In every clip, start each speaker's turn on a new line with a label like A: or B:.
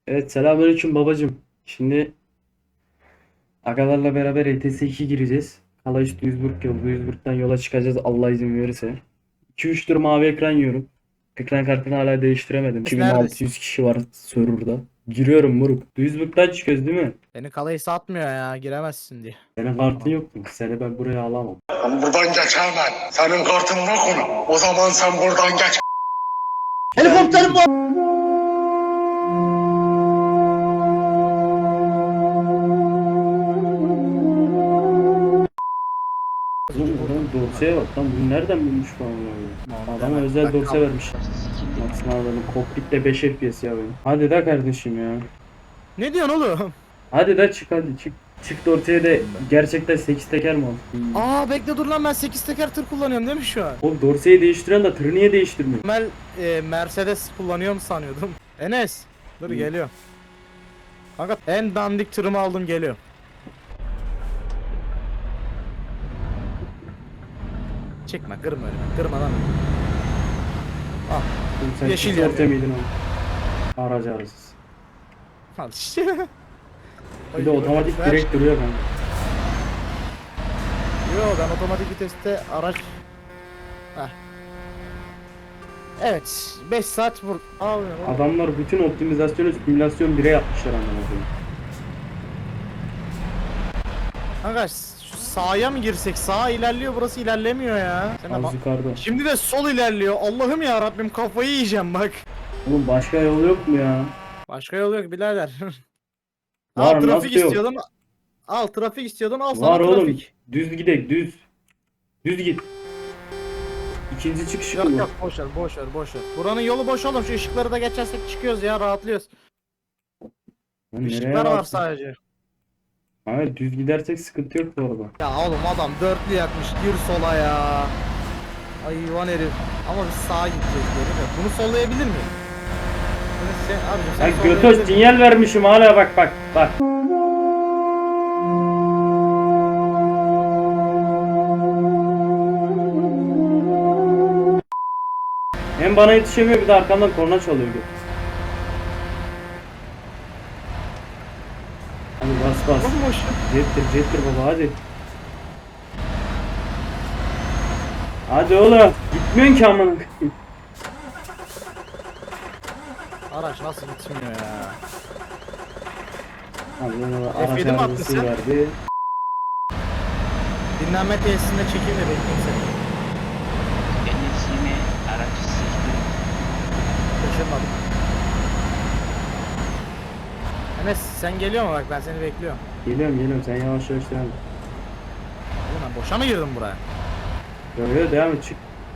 A: Evet, selamünaleyküm babacım. Şimdi agalarla beraber ETS 2 gireceğiz. Kalaş Duisburg yolu. Duisburg'dan yola çıkacağız Allah izin verirse. 2-3 tur mavi ekran yiyorum. Ekran kartını hala değiştiremedim.
B: Neredesin?
A: 2600 kişi var serverda. Giriyorum moruk. Duisburg'dan çıkıyoruz değil mi?
B: Beni kalayı satmıyor ya, giremezsin diye.
A: Senin kartın yok mu? Seni ben buraya alamam.
C: Ben buradan geçemem. Senin kartın yok onu. O zaman sen buradan geç.
D: Helikopterim var.
A: Oğlum buradan dorseye bak lan. Bu nereden bulmuş bu amına? Adama özel dorse vermiş. Baksana adamın kokpitte 5 FPS ya benim. Hadi de kardeşim ya.
B: Ne diyorsun oğlum?
A: Hadi da çık hadi çık. Çift ortaya da gerçekten 8 teker mi al?
B: Aa bekle dur lan, ben 8 teker tır kullanıyorum değil mi şu an?
A: Oğlum dorseyi değiştiren de tırı niye değiştirmiyor?
B: Normal Mercedes kullanıyorum sanıyordum. Enes dur geliyor. Kanka en dandik tırımı aldım, geliyor. Çekme, kırma önüme, kırma lan. Al,
A: Oğlum sen
B: Yeşil
A: çift
B: yanıyor.
A: orta mıydın oğlum? Aracı arasız.
B: al işte.
A: Bir de otomatik
B: Ver.
A: direkt duruyor kanka.
B: Yo, ben otomatik viteste araç... Heh. Evet, 5 saat vur... Abi,
A: Adamlar bütün optimizasyonu simülasyon 1'e yapmışlar anlamına koyayım.
B: kanka şu sağa mı girsek? Sağa ilerliyor, burası ilerlemiyor ya. Sen de
A: Az
B: bak-
A: yukarıda.
B: Şimdi de sol ilerliyor. Allah'ım ya Rabbim, kafayı yiyeceğim bak.
A: Oğlum başka yol yok mu ya?
B: Başka yol yok birader.
A: Var,
B: Al trafik
A: nasıl yok?
B: istiyordun. Al trafik istiyordun, al
A: Var
B: sana
A: oğlum.
B: trafik.
A: Düz gidek düz. Düz git. İkinci çıkışı
B: Yok
A: bu.
B: yok, boş ver boş ver boş ver. Buranın yolu boş oğlum, şu ışıkları da geçersek çıkıyoruz ya, rahatlıyoruz.
A: Lan nereye
B: Işıklar var
A: baksın?
B: sadece.
A: Hayır düz gidersek sıkıntı yok bu arada.
B: Ya oğlum adam dörtlü yakmış, gir sola ya. Hayvan herif. Ama biz sağa gideceğiz geri de. Bunu sollayabilir miyim? Bunu sen, abicim sen
A: Ya
B: sollayabilir
A: götöz
B: misin?
A: sinyal vermişim hala bak bak bak. Hem bana yetişemiyor bir de arkamdan korna çalıyor göt. Hadi bas bas.
B: Bomboş.
A: Jettir baba hadi. Hadi oğlum. Gitmiyorsun ki amına koyayım.
B: Araç nasıl gitmiyor ya?
A: Hadi araç
B: F7 mi attın
A: arızası
B: sen?
A: verdi.
B: Dinlenme tesisinde çekeyim de bekleyeyim seni.
E: Enesimi araç seçtim.
B: Şaşırmadım. Enes sen geliyor mu, bak ben seni bekliyorum.
A: Geliyorum sen yavaş yavaş devam et.
B: Oğlum ben boşa mı girdim buraya?
A: Böyle devam et çık.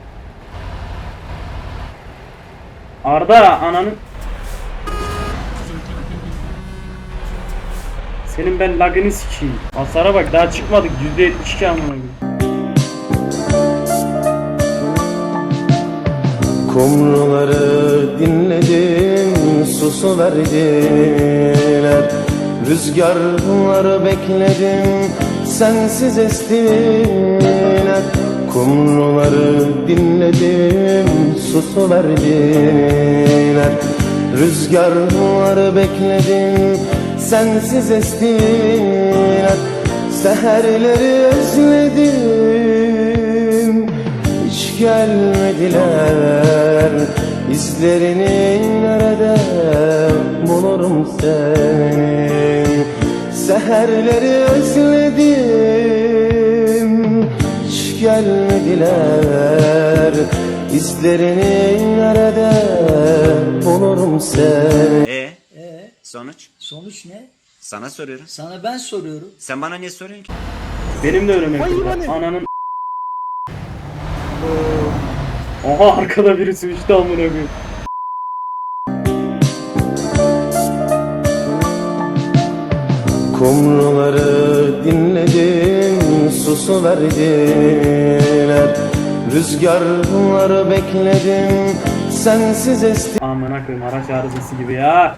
A: Arda ananı. Senin ben lagını sikeyim. Hasara bak daha çıkmadık %72 amına koyayım.
D: Kumruları dinledim, susu verdiler. Rüzgarları bekledim, sensiz estiler. Kumruları dinledim, susu verdiler. Rüzgarları bekledim, sensiz estiler. Seherleri özledim, hiç gelmediler. İzlerini nerede bulurum seni? Seherleri özledim, hiç gelmediler. İzlerini nerede bulurum seni?
E: Sonuç?
F: Sonuç ne?
E: Sana soruyorum.
F: Sana ben soruyorum.
E: Sen bana niye soruyorsun ki?
A: Benim de önüme
B: Hayır,
A: kırdı.
B: hani-
A: Ananın. Oha arkada birisi uçtu amına koyayım.
D: Kumruları dinledim, susu verdiler. Rüzgarları bekledim, sensiz
A: Amına koyayım araç arızası gibi ya.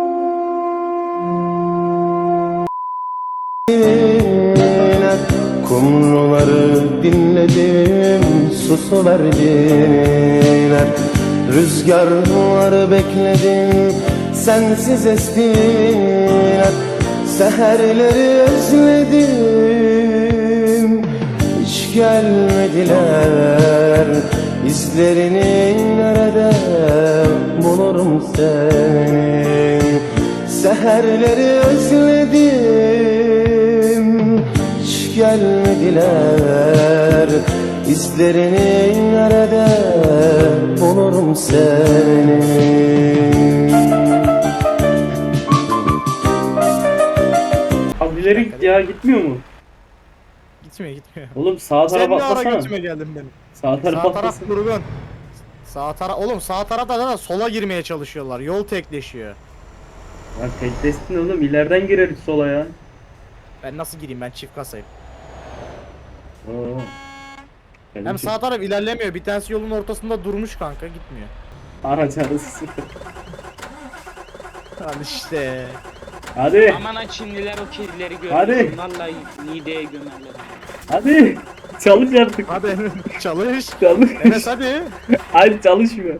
D: estiler. Kumruları dinledim, susu verdiler. Rüzgarları bekledim, sensiz estiler. Seherleri özledim, hiç gelmediler. İzlerini nerede bulurum senin? Seherleri özledim, hiç gelmediler. İzlerini nerede bulurum senin?
A: Az ileri git ya, gitmiyor mu?
B: Gitmiyor.
A: Oğlum sağ
B: Sen
A: tarafa
B: ne ara
A: atlasana.
B: götüme geldin benim?
A: Sağ tarafa
B: Sağ taraf
A: atlasana.
B: durgun. Oğlum sağ tarafta da sola girmeye çalışıyorlar. Yol tekleşiyor.
A: Lan teklesin oğlum, ileriden gireriz sola ya.
B: Ben nasıl gireyim, ben çift kasayım.
A: Oo.
B: Hem sağ taraf ilerlemiyor. Bir tanesi yolun ortasında durmuş kanka, gitmiyor.
A: Araç arası.
B: Al işte.
A: Hadi.
F: Aman ha Çinliler o kedileri
A: Hadi.
F: görüyor. Vallahi mideye gömerler.
A: Hadi. Çalış artık.
B: Hadi çalış.
A: Çalış.
B: Enes hadi.
A: Ay çalışmıyor.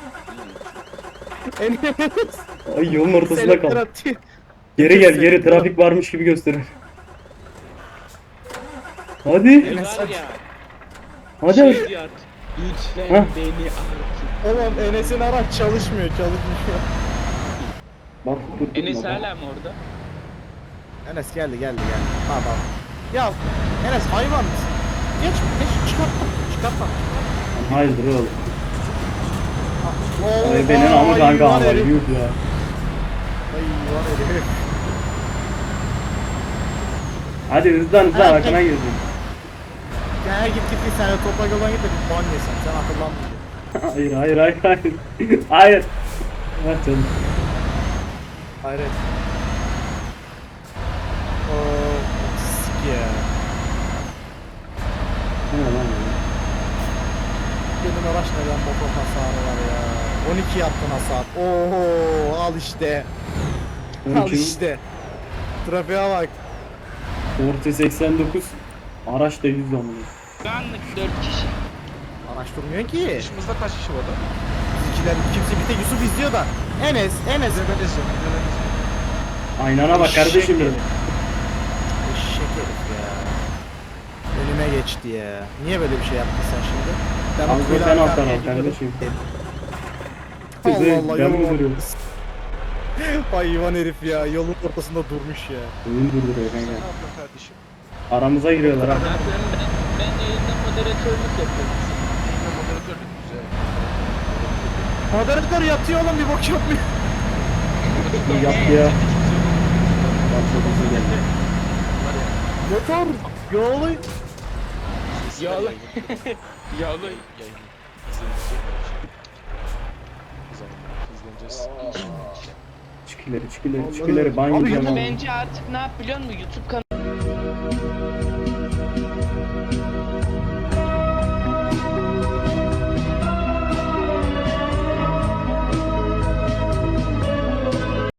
B: Enes.
A: Ay yolun ortasında
B: Selektör
A: kal.
B: atıyor.
A: Geri gel, geri trafik varmış gibi gösterir. Hadi.
B: Enes
F: Var ya.
A: Hadi.
F: Şey diyor artık. Lütfen
A: Hah.
F: beni artık.
B: Oğlum Enes'in araç çalışmıyor.
A: Bak dur.
F: Enes hala mı orada?
B: Enes geldi. Tamam. Ya Enes hayvan mısın? Geç çıkartma.
A: Hayırdır oğlum.
B: Oo,
A: Ay benim amı kanka
B: hayvan
A: ama
B: herif.
A: yuh ya.
B: Hayvan herif.
A: Hadi hızlan
B: Ha,
A: arkana girdim.
B: Ya git sen de toprak yoldan git de bir ban yesen. Sen akıllanma.
A: Hayır. Hayır. Ver canım.
B: Hayret. Oo, sik ya.
A: Ne lan ya?
B: Benim araç neden motor hasarı var ya. 12 yaptın hasar. Oho al işte. Al
A: 12 mi?
B: işte. Trafiğe bak.
A: Orta 89. Araç da 100 amına.
F: Şu anlık 4 kişi.
B: Araç durmuyor ki.
G: Başımızda kaç kişi var da?
B: Bizimkiler kimse bir tek Yusuf izliyor da. Enes.
A: Aynana bak kardeşim benim.
B: Eşek herif ya. Önüme geçti ya. Niye böyle bir şey yaptın sen şimdi? Ben o
A: Al
B: kuyudan
A: sen
B: arkaya
A: alttan al
B: gidiyordum.
A: kardeşim.
B: Allah Allah
A: Ben mi
B: yolun
A: duruyorum?
B: ortası. Hayvan herif ya. Yolun ortasında durmuş ya.
A: Oyun durduruyor kanka.
G: Ne yapıyorsun kardeşim?
A: Aramıza giriyorlar ha.
F: Ben yayında moderatörlük yapıyorum.
G: Yayında moderatörlük güzel.
B: Moderatör yatıyor oğlum, bir bok yapmıyor.
A: İyi yaptı ya. Bak çok hızlı geldi.
B: Motor. Yolu.
F: Yağlı. Yağlı.
G: Yayını. İzlenecekler şimdi. O zaman izleneceğiz.
A: Çık ileri. Banyo
B: Abi
A: diyorum ama.
F: Bence artık ne yap biliyor musun? YouTube kanalı